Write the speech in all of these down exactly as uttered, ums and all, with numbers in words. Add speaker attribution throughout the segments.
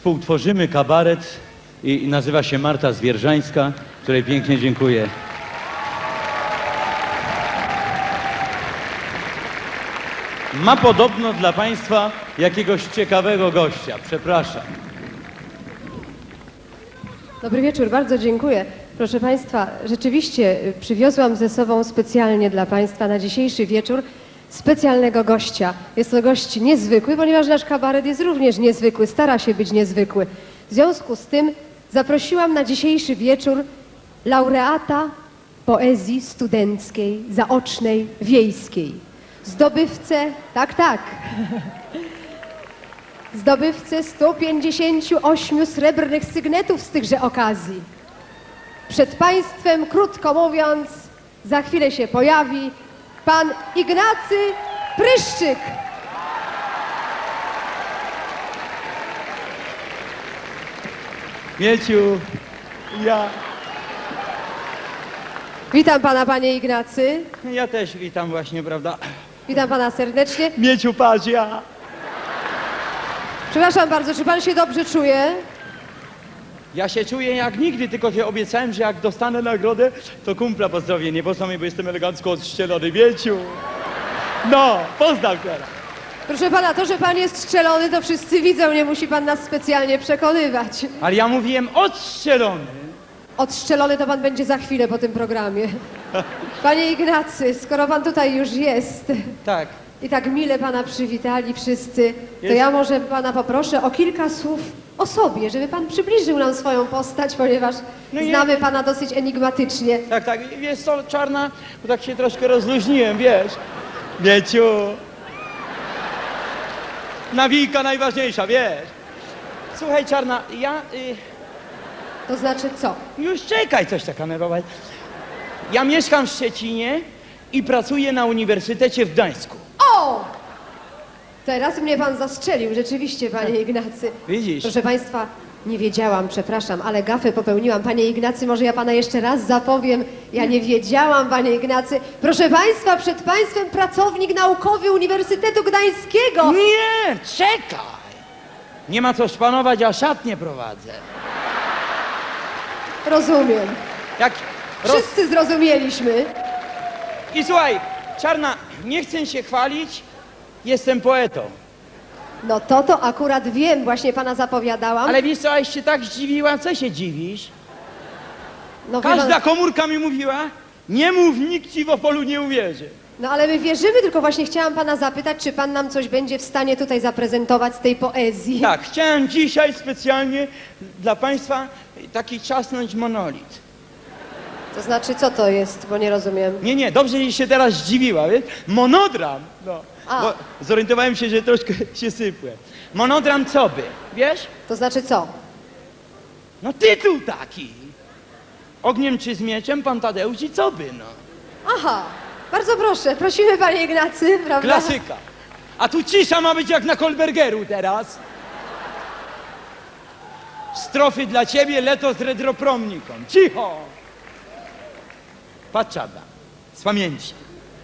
Speaker 1: współtworzymy kabaret i, i nazywa się Marta Zwierżańska, której pięknie dziękuję. Ma podobno dla Państwa jakiegoś ciekawego gościa. Przepraszam.
Speaker 2: Dobry wieczór, bardzo dziękuję. Proszę Państwa, rzeczywiście przywiozłam ze sobą specjalnie dla Państwa na dzisiejszy wieczór specjalnego gościa. Jest to gość niezwykły, ponieważ nasz kabaret jest również niezwykły, stara się być niezwykły. W związku z tym zaprosiłam na dzisiejszy wieczór laureata poezji studenckiej, zaocznej, wiejskiej. Zdobywcę, tak, tak, zdobywcę stu pięćdziesięciu ośmiu srebrnych sygnetów z tychże okazji. Przed Państwem, krótko mówiąc, za chwilę się pojawi pan Ignacy Pryszczyk.
Speaker 1: Mieciu, ja,
Speaker 2: Witam pana, panie Ignacy.
Speaker 1: ja też witam właśnie, prawda?
Speaker 2: Witam pana serdecznie.
Speaker 1: Mieciu, patrz, ja.
Speaker 2: Przepraszam bardzo, czy pan się dobrze czuje?
Speaker 1: Ja się czuję jak nigdy, tylko że obiecałem, że jak dostanę nagrodę, to kumpla pozdrowię. Nie poznał mnie, bo jestem elegancko odszczelony, Mieciu. No, poznam teraz.
Speaker 2: Proszę pana, to, że pan jest strzelony, to wszyscy widzą, nie musi pan nas specjalnie przekonywać.
Speaker 1: Ale ja mówiłem odstrzelony.
Speaker 2: Odstrzelony to pan będzie za chwilę po tym programie. Panie Ignacy, skoro pan tutaj już jest
Speaker 1: Tak.
Speaker 2: i tak mile pana przywitali wszyscy, to
Speaker 1: Jest.
Speaker 2: ja może pana poproszę o kilka słów o sobie, żeby pan przybliżył nam swoją postać, ponieważ
Speaker 1: No nie.
Speaker 2: znamy pana dosyć enigmatycznie.
Speaker 1: Tak, tak. Wiesz co, Czarna, bo tak się troszkę rozluźniłem, wiesz. Mieciu. Nawijka najważniejsza, wiesz. Słuchaj, Czarna, ja... Y,
Speaker 2: To znaczy co?
Speaker 1: już czekaj, coś taka nerwować. Ja mieszkam w Szczecinie i pracuję na Uniwersytecie w Gdańsku.
Speaker 2: O! Teraz mnie pan zastrzelił, rzeczywiście, panie Ignacy.
Speaker 1: Widzisz?
Speaker 2: Proszę państwa, nie wiedziałam, przepraszam, ale gafę popełniłam. Panie Ignacy, może ja pana jeszcze raz zapowiem. Ja nie wiedziałam, panie Ignacy. Proszę państwa, przed państwem pracownik naukowy Uniwersytetu Gdańskiego.
Speaker 1: Nie, czekaj. Nie ma co szpanować, a szatnie prowadzę.
Speaker 2: Rozumiem.
Speaker 1: Jak roz...
Speaker 2: Wszyscy zrozumieliśmy.
Speaker 1: I słuchaj, Czarna, nie chcę się chwalić, jestem poetą.
Speaker 2: No to to akurat wiem, właśnie pana zapowiadałam.
Speaker 1: Ale wiesz co, aś się tak zdziwiła, co się dziwisz?
Speaker 2: No, wie
Speaker 1: Każda
Speaker 2: pan,
Speaker 1: komórka mi mówiła, nie mów, nikt ci w Opolu nie uwierzy.
Speaker 2: no ale my wierzymy, tylko właśnie chciałam pana zapytać, czy pan nam coś będzie w stanie tutaj zaprezentować z tej poezji.
Speaker 1: Tak, chciałem dzisiaj specjalnie dla państwa taki czasnąć monolit.
Speaker 2: To znaczy, co to jest, bo nie rozumiem.
Speaker 1: Nie, nie, dobrze, że się teraz zdziwiła, wiesz? Monodram, no.
Speaker 2: A.
Speaker 1: Bo zorientowałem się, że troszkę się sypłem. Monodram co by, wiesz?
Speaker 2: To znaczy co?
Speaker 1: No tytuł taki. Ogniem czy z mieczem, pan Tadeusz i co by, no.
Speaker 2: Aha, bardzo proszę, prosimy panie Ignacy, prawda?
Speaker 1: Klasyka. A tu cisza ma być jak na Kolbergeru teraz. Strofy dla ciebie, leto z redropromniką. Cicho! Patrz, Czarna, z pamięci.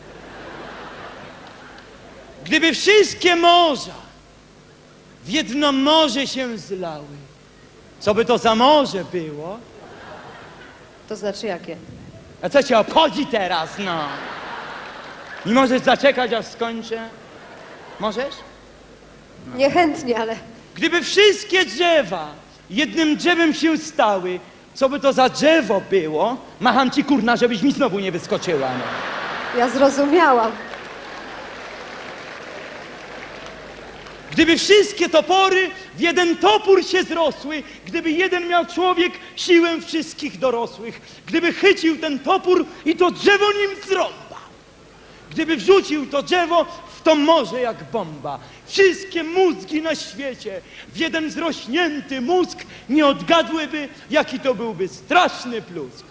Speaker 1: Gdyby wszystkie morza w jedno morze się zlały, co by to za morze było?
Speaker 2: To znaczy jakie?
Speaker 1: A co cię obchodzi teraz, no? Nie możesz zaczekać, aż skończę? Możesz?
Speaker 2: Niechętnie, ale
Speaker 1: Gdyby wszystkie drzewa jednym drzewem się stały, co by to za drzewo było? Macham ci, kurna, żebyś mi znowu nie wyskoczyła, no.
Speaker 2: ja zrozumiałam.
Speaker 1: Gdyby wszystkie topory w jeden topór się zrosły, gdyby jeden miał człowiek siłę wszystkich dorosłych, gdyby chycił ten topór i to drzewo nim zrąbał, gdyby wrzucił to drzewo w to morze jak bomba, wszystkie mózgi na świecie w jeden zrośnięty mózg nie odgadłyby, jaki to byłby straszny plusk.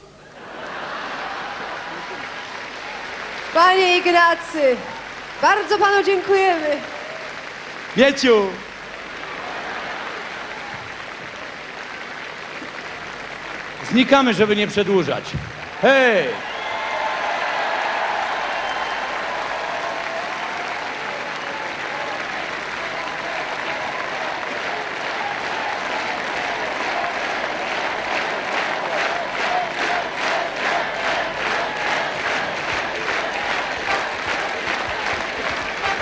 Speaker 2: Panie Ignacy, bardzo panu dziękujemy.
Speaker 1: Mieciu! Znikamy, żeby nie przedłużać. Hej!